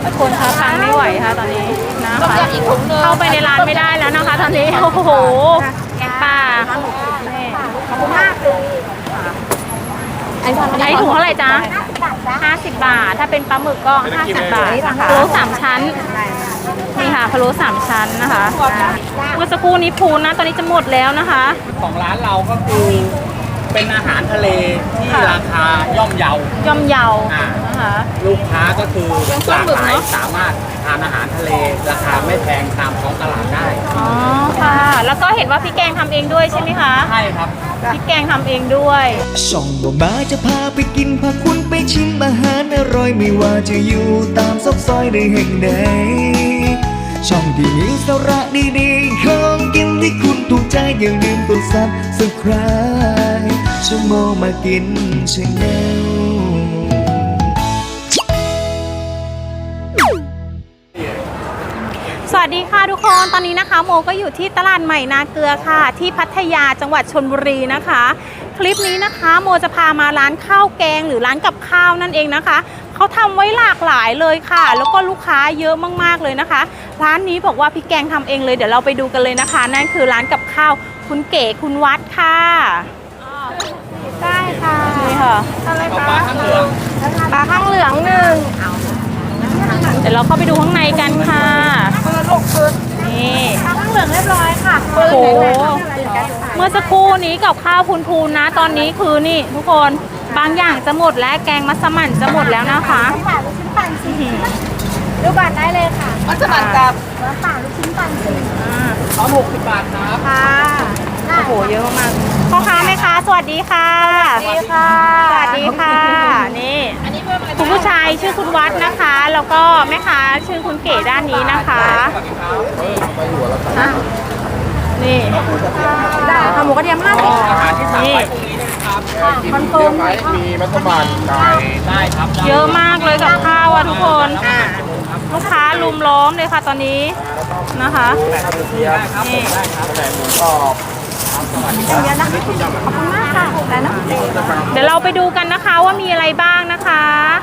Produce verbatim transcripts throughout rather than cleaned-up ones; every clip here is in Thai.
คนคะตังไม่ไหวค่ะตอนนี้นะคะเข้าไปในร้านไม่ได้แล้วนะคะ ตอนนี้โอ้โหแกงป่าขอบคุณมากไอ้ถุงเท่าไหร่จ๊ะห้าสิบบาทถ้าเป็นปลาหมึกก็ห้าสิบบาทพะโล้สามชั้นนี่ค่ะพะโล้สามชั้นนะคะเมื่อสักครู่นี้พูนนะตอนนี้จะหมดแล้วนะคะของร้านเราก็คือเป็นอาหารทะเลที่ราคาย่อมเยาย่อมเยานะคะลูกค้าก็คือหลากหลายสามารถทานอาหารทะเลราคาไม่แพงตามท้องตลาดได้อ๋อค่ะแล้วก็เห็นว่าพี่แกงทำเองด้วยใช่ไหมคะใช่ครับพี่แกงทำเองด้วยช่องบ่มาจะพาไปกินพาคุณไปชิมอาหารอร่อยไม่ว่าจะอยู่ตามซอกซอยในแห่งใดช่องที่มีสาระดีๆของกินที่คุณถูกใจอย่าลืมกดซับสไครบ์ชั่วโมงมากินชาแนลสวัสดีค่ะทุกคนตอนนี้นะคะโมก็อยู่ที่ตลาดใหม่นาเกลือค่ะที่พัทยาจังหวัดชลบุรีนะคะคลิปนี้นะคะโมจะพามาร้านข้าวแกงหรือร้านกับข้าวนั่นเองนะคะเขาทำไว้หลากหลายเลยค่ะแล้วก็ลูกค้าเยอะมากๆเลยนะคะร้านนี้บอกว่าพี่แกงทำเองเลยเดี๋ยวเราไปดูกันเลยนะคะนั่นคือร้านกับข้าวคุณเก๋คุณวัดค่ะได้ค่ะนี่ค่ะอะไรคะปลาข้างเหลืองปลาข้างเหลืองหนึ่งเดี๋ยวเราเข้าไปดูข้างในกันค่ะนี่ปลาข้างเหลืองเรียบร้อยค่ะโอ้โหเมื่อสักครู่นี้กับข้าวพูนๆนะตอนนี้คือนี่ทุกคนบางอย่างจะหมดแล้วแกงมัสมั่นจะหมดแล้วนะคะลูกชิ้นปั่นซีดูบัตรได้เลยค่ะมัสมั่นกับป่าลูกชิ้นปั่นซีสองหกสิบบาทครับค่ะโอ้โหเยอะมากพ่อค้าแม่ค้าสวัสดีค่ะสวัสดีค่ะสวัสดีค่ะนี่คุณผู้ชายชื่อคุณวัดนะคะแล้วก็แม่ค้าชื่อคุณเก๋ด้านนี้นะคะนี่ได้ค่ะหมูกระเทียมห้าสิบอาหารที่สั่งไว้พรุ่งนี้นะครับคอนเฟิร์มมีมัสมั่นไก่ได้ครับเยอะมากเลยกับข้าวอ่ะทุกคนลูกค้าลุมล้อมเลยค่ะตอนนี้นะคะนี่เยอะนะคะขอบคุณมากค่ะแต่นะเดี๋ยวเราไปดูกันนะคะว่ามีอะไรบ้างนะคะ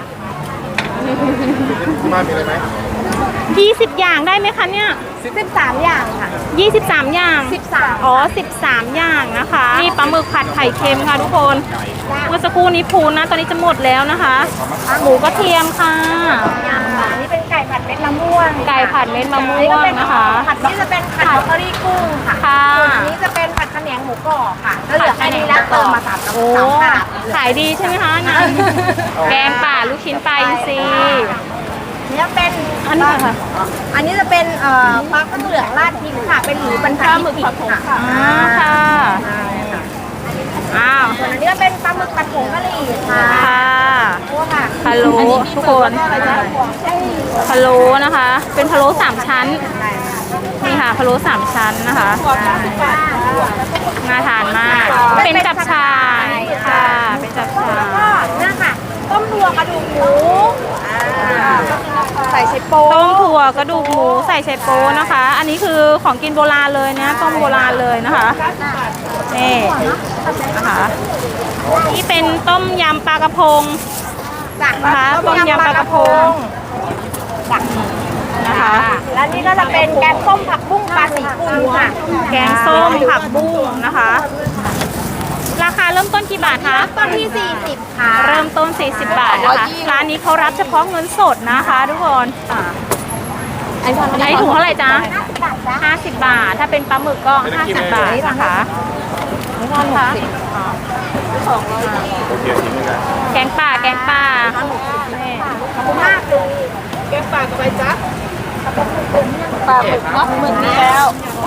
มามีอะไรไหมยี่สิบอย่างได้ไหมคะเนี่ยสิบสามอย่างค่ะยี่สิบสามอย่างสิบสามอ๋อสิบสามอย่างนะคะนี่ปลาหมึกผัดไข่เค็มค่ะทุกคนเมื่อสักครู่นี้พูนนะตอนนี้จะหมดแล้วนะคะหมูกระเทียมค่ะนี่เป็นไก่ผัดเม็ดมะม่วงไก่ผัดเม็ดมะม่วงนะคะผัดนี่จะเป็นผัดบรอกโคลีกุ้งค่ะส่วนอันนี้จะเป็นผัดขะแหนงหมูกรอบค่ะก็เหลือแค่นี้แล้วเติมมาสามกระปุกสามถาดขายดีใช่ไหมคะนะแกงป่าลูกชิ้นปลาอินทรีนี่เป็นอันนี้ค่ะอันนี้จะเป็นเอ่อปลาข้างเหลืองราดพริกค่ะเป็นหมูบรรทัดพริกค่ะอ่าค่ะอ้าวส่วนอันนี้ก็เป็นปลาหมึกผัดผงกะหรี่ค่ะค่ะค่ะพะโล้ทุกคนพะโล้นะคะเป็นพะโล้สามชั้นนี่ค่ะพะโล้สามชั้นนะคะน่าทานมากเป็นจับชายค่ะเป็นจับชายแล้วก็นี่ค่ะต้มถั่วกระดูกหมูใส่ไชโป๊ต้มถั่วกระดูกหมูใส่ไชโป๊นะคะ อันนี้คือของกินโบราณเลยนะต้มโบราณเลยนะคะนี่นะคะนี่เป็นต้มยำปลากระพงนะคะต้มยำปลากระพงนะคะแล้วนี่ก็จะเป็นแกงส้มผักบุ้งปลาสีกุลค่ะแกงส้มผักบุ้งนะคะราคาเริ่มต้นกี่บาทคะต้นที่สี่สิบค่ะเริ่มต้นสี่สิบบาทนะคะร้านนี้เขารับเฉพาะเงินสดนะคะทุกคนไอ้ถุงเท่าไหร่จ๊ะห้าสิบบาทถ้าเป็นปลาหมึกก็ห้าสิบบาทนะคะนี่ค่ะแกงป่าแกงป่าขอบคุณมากเลยแกงป่ากับใบจ๊ะปลาหมึกเนาะหมึกนี่แล้ว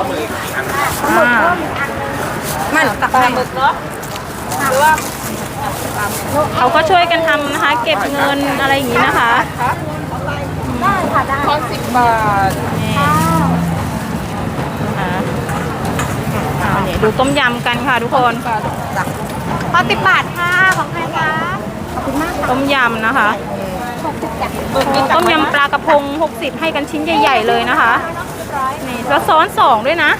มันตักปลาหมึกเนาะหรือว่าเขาก็ช่วยกันทำนะคะเก็บเงินอะไรอย่างนี้นะคะได้ค่ะได้ทอนสิบบาทนี่อ่าเนี่ยดูต้มยำกันค่ะทุกคนพอสิบบาทค่ะของใครคะขอบคุณมากต้มยำนะคะต้มยำปลากระพงหกสิบให้กันชิ้นใหญ่ๆเลยนะคะนี่แล้วซ้อนสองด้วยนะ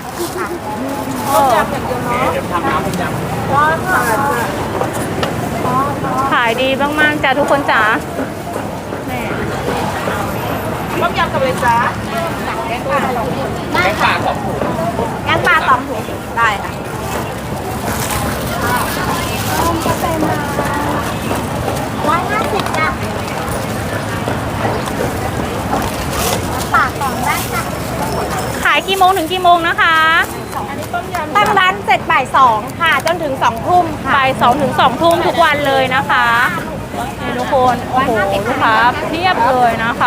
ขายดีมากๆจ้ะทุกคนจ๋ากับเลยจ้าแกงป่าแกงป่าสองถุงแกงป่าสองถุงได้ค่ะร้อยห้าสิบจ้ะปากสองได้ค่ะขายกี่โมงถึงกี่โมงนะคะตั้งร้านเสร็จบ่ายสองค่ะ จนถึงสองทุ่มค่ะบ่ายสองถึงสองทุ่มทุกวันเลยนะคะนี่ทุกคนโอ้โหลูกค้าเพียบเลยนะคะ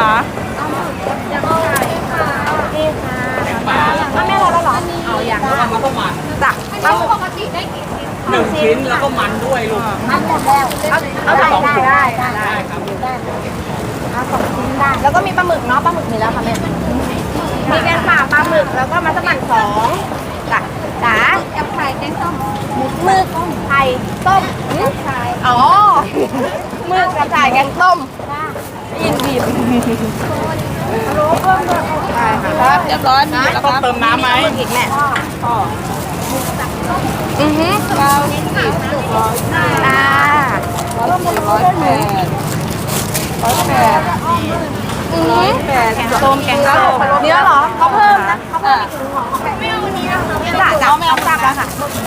นี่ค่ะแกงป่าถ้าแม่เราแล้วเหรอเอาอย่างแล้วก็มันก็มันจ้ะเอาปกติได้หนึ่งชิ้นแล้วก็มันด้วยลูกมันหมดแล้วเอาเอาได้ได้ได้ได้ได้ครับเอาสองชิ้นได้แล้วก็มีปลาหมึกเนาะปลาหมึกมีแล้วค่ะแม่มีแกงป่าปลาหมึกแล้วก็มัสมั่นสองจ้ะจ๋าแกงไข่แกงส้มหมึกไข่ต้มอ๋อหมึกกระชายแกงต้มยินบีบรู้เพิ่มด้วยได้ค่ะเรียบร้อยนะแล้วต้องเติมน้ำไหมอีกแม่อือฮึเรานี่สิบร้อยจ้าร้อยสี่ร้อยแปดร้อยแปดอือฮึแปดแกงส้มแกงส้มเนื้อเหรอเขาเพิ่มนะเขาเพิ่มอีกถุงของไม่เอาเนื้อจ้าจ้าไม่เอาตักแล้วค่ะ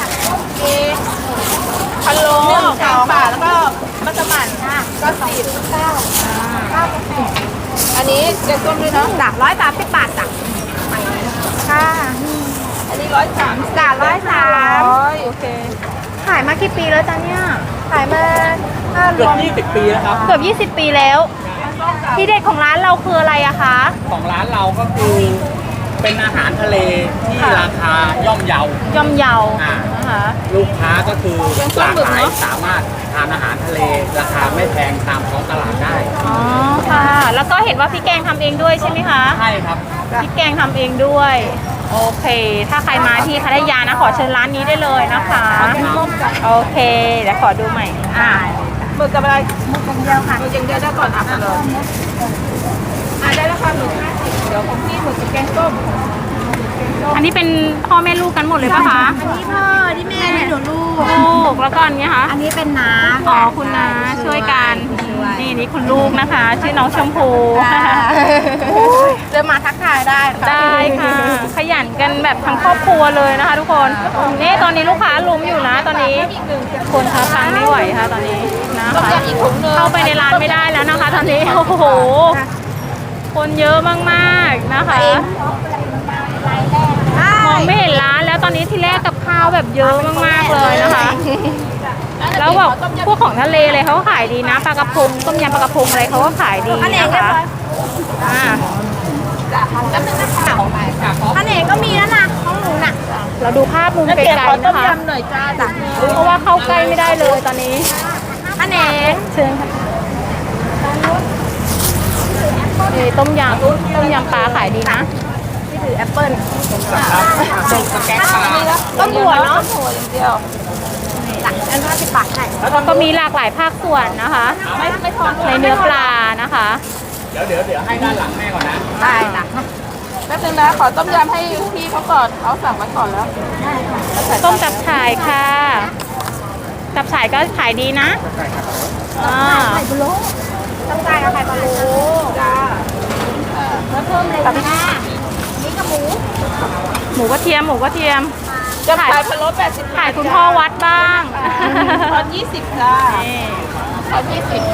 พะโล้แกงป่าแล้วก็มัสมั่นก็สิบเก้าเก้าแปดอันนี้แกงส้มด้วยเนาะจ้ะร้อยสามสิบบาทจ้ะค่ะอันนี้ร้อยสามจ้ะร้อยสามโอเคขายมากี่ปีแล้วจ๊ะเนี่ยขายมาถ้ารเกือวบมยี่สิบปีแล้วครับเกือบยี่สิบปีแล้ว ที่เด็ดของร้านเราคืออะไรอะคะของร้านเราก็คือเป็นอาหารทะเลที่ค่ะราคาย่อมเยาย่อมเยาอ่านะคะลูกค้าก็คือหลากหลายสามารถทานอาหารทะเล ราคาไม่แพงตามท้องตลาดได้อ๋อค่ะ แล้วก็เห็นว่าพี่แกงทำเองด้วยใช่ไหมคะใช่ครับพี่แกงทำเองด้วย โอเค ถ้าใครมาที่พัทยานะขอเชิญร้านนี้ได้เลยนะคะ โอเค เดี๋ยวขอดูใหม่ อ่าหมึกกับอะไรหมึกอย่างเดียวค่ะหมึกอย่างเดียวได้ก่อนอ่ะเลยอ่ะได้แล้วค่ะหมึกห้าสิบเดี๋ยวของพี่หมึกกับแกงส้มอันนี้เป็นพ่อแม่ลูกกันหมดเลยปะคะอันนี้พ่อที่แม่นี่หนูลูกลูก แล้วก็อันนี้คะอันนี้เป็นน้าอ๋อคุณนาช่วยกัน นี่นี่คุณลูกนะคะ ชื่อน้องชมพูเดินมาทักทายได้ค่ะได้ค่ะ ขยันกันแบบทั้งครอบครัวเลยนะคะ ทุกคนนี่ตอนนี้ลูกค้าลุมอยู่นะ ตอนนี้ คนค้าทางไม่ไหวค่ะตอนนี้นะคะเข้าไปในร้านไม่ได้แล้วนะคะ ตอนนี้โอ้โหคนเยอะมากๆนะคะมองไม่เห็นร้านแล้วตอนนี้ที่แรกกับข้าวแบบเยอะมากๆเลยนะคะ แล้วแบบพวกของทะเลเลยเขาก็ขายดีนะปลากระพงต้มยำปลากระพงอะไรเขาก็ขายดีนะคะอ่าอันเอกก็มีแล้วนะของหนูน่ะเราดูภาพมุมไกลๆนะคะหน่อยจ้าจ้ะเพราะว่าเข้าใกล้ไม่ได้เลยตอนนี้อันเอกเชิญค่ะนี่ต้มยำต้มยำปลาขายดีนะที่ถือแอปเปิ้ลแกงปลาต้มหัวเนาะหัวอย่างเดียวจ้ะอันห้าสิบบาทใช่ก็มีหลากหลายภาคส่วนนะคะไม่ไม่ทอนในเนื้อปลานะคะเดี๋ยวเดี๋ยวเดี๋ยวให้ด้านหลังแม่ก่อนนะได้จ้ะแป๊บนึงนะขอต้มยำให้พี่เขาก่อนเขาสั่งไว้ก่อนแล้วต้มจับฉ่ายค่ะจับฉ่ายก็ขายดีนะอ่าต้องได้เอาไข่ปลาโลจ้าแล้วเพิ่มเลยค่ะนี่กับหมูหมูกระเทียมหมูกระเทียมจะขายพะโล้แปดสิบขายคุณพ่อวัดบ้างตอนยี่สิบจ้านี่ตอนยี่สิบ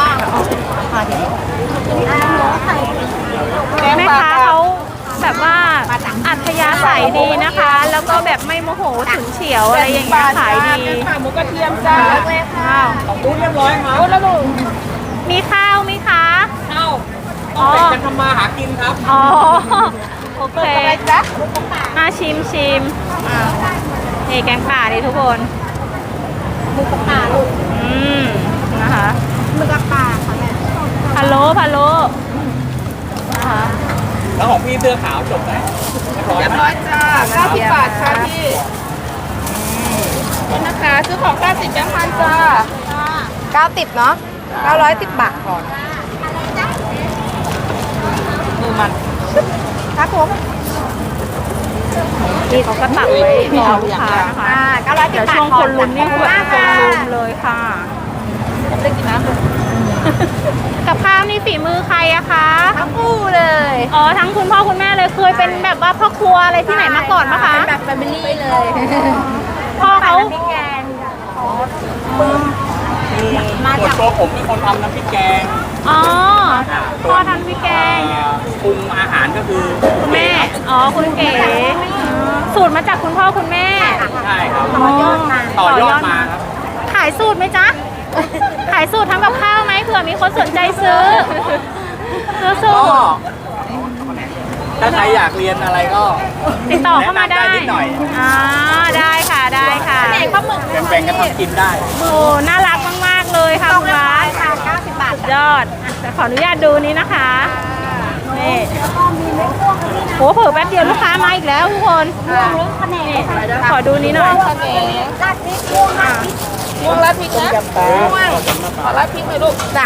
แม่ค้าเขาแบบว่าอัธยาศัยดีนะคะ แล้วก็แบบไม่โมโหถึงเฉียวอะไรอย่างเงี้ยขายดีค่ะหมูกระเทียมจ้าเลยค่ะว้าวของตู้เรียบร้อยครับแล้วลูกมีข้าวไหมคะเข้าต้องแบ่งกันทำมาหากินครับอ๋อโอเคอะไรจ๊ะมาชิมชิมอ่านี่แกงป่าดิทุกคนหมูกระป่าลูกอืมนะคะหมูกระป่าค่ะแม่พะโล้พะโล้นะคะแล้วของพี่เสื้อขาวจบไหมเรียบร้อยเรียบร้อยจ้าเก้าสิบบาทค่ะพี่นี่นะคะซื้อของเก้าสิบแบงค์พันจ้าเก้าสิบเนาะเก้าร้อยสิบบาทก่อนมือมันครับผมนี่เขาก็ตักไว้รอลูกค้านะคะอ่าเก้าร้อยสิบเดี๋ยวบาทช่วงคนลุ้นนี่คือแบบคนลุมเลยค่ะผมได้กินน้ำเลยกับข้าวนี่ฝีมือใครอะคะทั้งคู่เลยอ๋อเป็นแบบว่าพ่อครัวอะไรที่ไหนมาก่อนปะคะเป็นแบบแฟมิลี่เลยพ่อเขาพริกแกงมาจากตัวผมเป็นคนทำน้ำพริกแกงอ๋อพ่อทำพริกแกงปรุงอาหารก็คือคุณแม่ อ๋อ คุณเก๋สูตรมาจากคุณพ่อคุณแม่ใช่ครับต่อยอดมาต่อยอดมาครับขายสูตรไหมจ๊ะ ขายสูตรทำกับข้าวไหมเผื่อมีคนสนใจซื้อ ซื้อสูก็ตรถ้าใครอยากเรียนอะไรก็ติดต่อเข้ามาได้แนะนำได้นิดหน่อยอ่าได้ค่ะ ได้ค่ะแหนงปลาหมึกแบ่งๆกันทำกินได้โอ้ น่ารักมาก ๆ เลยค่ะคุณร้านค่ะเก้าสิบบาทยอดอ่ะแต่ขออนุญาตดูนี้นะคะ นี่โหเผื่อแป๊บเดียวลูกค้ามาอีกแล้วทุกคนนี่ขอดูนี้หน่อยราดพริกม่วงราดพริกม่วงราดพริกนะม่วงขอราดพริกหน่อยลูกจ้ะ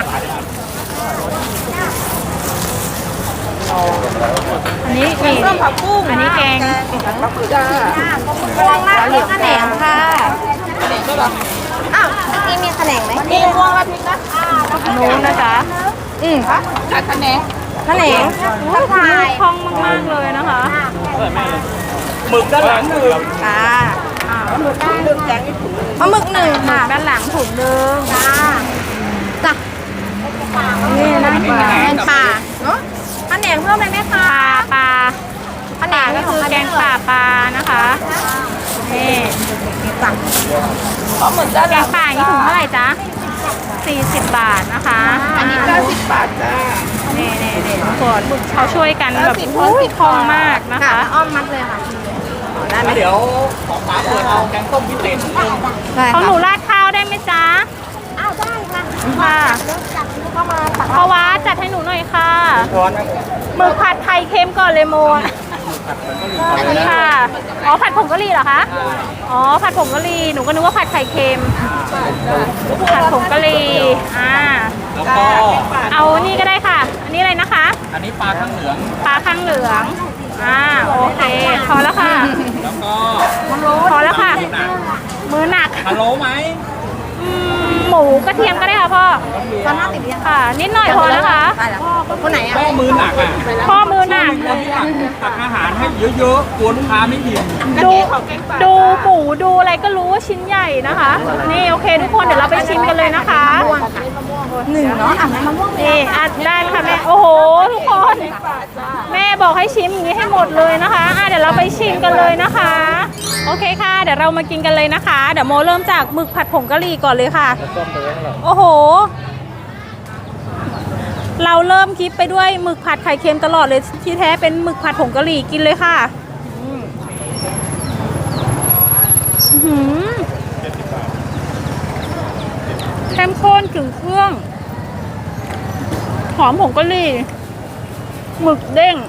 อันนี้นี่ส้มผักบุ้งอันนี้แกงจ้าม่วงราดพริกขนงค่ะขนงด้วยเหรออ้าวนี่มีขนงไหมมีม่วงราดพริกนะอันนู้นนะจ๊ะอืมจัดขนงขนงทักทายคล่องมากๆเลยนะคะหมึกด้านหลังคือจ้าอ่าหมึกหมึกแกงปลาหมึกหนึ่งค่ะด้านหลังถุงนึงจ้าจ้ะนี่นะแกงป่าเนาะขนงเพิ่มเลยไหมคะปลาปลาขนป่าง ก็คือแกงป่าปลานะคะนี่จ้ะปลาหมึกด้านแกงป่าอย่างนี้ถุงเท่าไหร่จ๊ะสี่สิบบาทนะคะอันนี้เก้าสิบบาทจ้านี่นี่นี่ทุกคนเขาช่วยกันแบบอุ้ยคล่องมากนะคะอ้อมมัดเลยค่ะได้ไหมแล้วเดี๋ยวของป๋าเปิดเอาแกงส้มพิเศษนิดนึงได้ของหนูค่ะราดข้าวได้ไหมจ๊ะอ้าวได้ค่ะค่ะเข้ามาตักเพราะว่าจัดให้หนูหน่อยค่ะช้อนนะหมึกผัดไทยเค็มก่อนเลยโมอะค่ะ อ๋อผัดผงกะหรี่เหรอคะ อ๋อผัดผงกะหรี่ หนูก็นึกว่าผัดไข่เค็ม ผัดผงกะหรี่ อ่าแล้วก็เอานี่ก็ได้ค่ะ อันนี้อะไรนะคะอันนี้ปลาข้างเหลืองปลาข้างเหลือง อ่า โอเค พอแล้วค่ะแล้วก็พอแล้วค่ะหนักมือหนักพะโล้ไหมอืมหมูกระเทียมก็ได้ค่ะพ่อตอนห้าสิบยังค่ะ นิดหน่อยพอนะคะได้แล้วคนไหนอ่ะก็มือหนักอ่ะพ่อมือหนักคนที่ตักตักอาหารให้เยอะๆกลัวลูกค้าไม่อิ่มดูดูหมูดูอะไรก็รู้ว่าชิ้นใหญ่นะคะ นี่โอเคทุกคนเดี๋ยวเราไปชิมกันเลยนะคะหนึ่งเนาะอ่ะมะม่วงนี่อ่ะได้ค่ะแม่โอ้โหทุกคนแม่บอกให้ชิมอย่างนี้ให้หมดเลยนะคะอ่ะเดี๋ยวเราไปชิมกันเลยนะคะ โอเคค่ะ เดี๋ยวเรามากินกันเลยนะคะ เดี๋ยวโมเริ่มจากหมึกผัดผงกะหรี่ก่อนเลยค่ะ โอ้โห เราเริ่มคลิปไปด้วยหมึกผัดไข่เค็มตลอดเลยที่แท้เป็นหมึกผัดผงกะหรี่กินเลยค่ะอืมอื้อหือเข้มข้นถึงเครื่องหอมผงกะหรี่หมึกเด้ง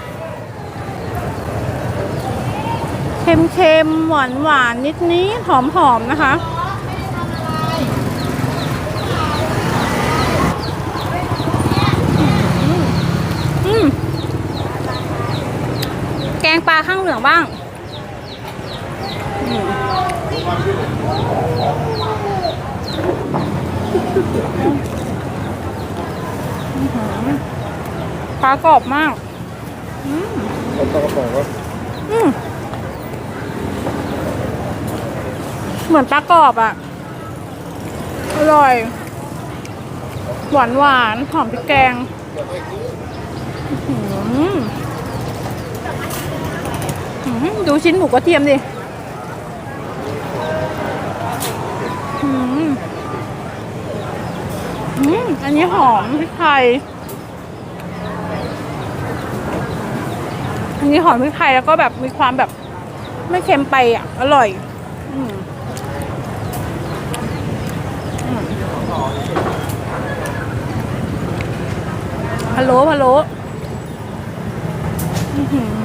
เค็มๆหวานหวานนิดนิดหอมหอมๆนะคะอืมแกงปลาข้างเหลืองบ้างอืมปลากรอบมากอืมอืมเหมือนปลากรอบอ่ะ อร่อย หวานหวานหอมพริกแกงอื้อหืออื้อหือดูชิ้นหมูกระเทียมดิอื้อหืออืมอันนี้หอมพริกไทย อันนี้หอมพริกไทยแล้วก็แบบมีความแบบไม่เค็มไปอ่ะ อร่อยอืมอืมพะโล้พะโล้อื้อหือ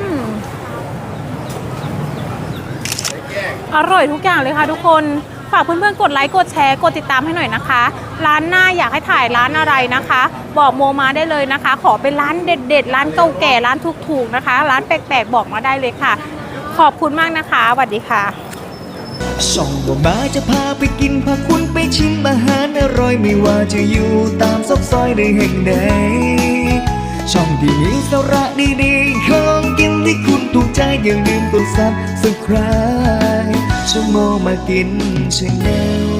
อร่อยทุกอย่างเลยค่ะทุกคน ฝากเพื่อนๆกดไลค์กดแชร์กดติดตามให้หน่อยนะคะ ร้านหน้าอยากให้ถ่ายร้านอะไรนะคะ บอกโมมาได้เลยนะคะ ขอเป็นร้านเด็ดๆร้านเก่าแก่ร้านถูกๆนะคะ ร้านแปลกๆบอกมาได้เลยค่ะ ขอบคุณมากนะคะสวัสดีค่ะช่องบ่มาจะพาไปกินพาคุณไปชิมอาหารอร่อยไม่ว่าจะอยู่ตามซอกซอยใดแห่งใดช่องที่มีสาระดีๆของกินที่คุณถูกใจอย่าลืมกดซับสไครบ์ชั่วโมงมากินชาแนล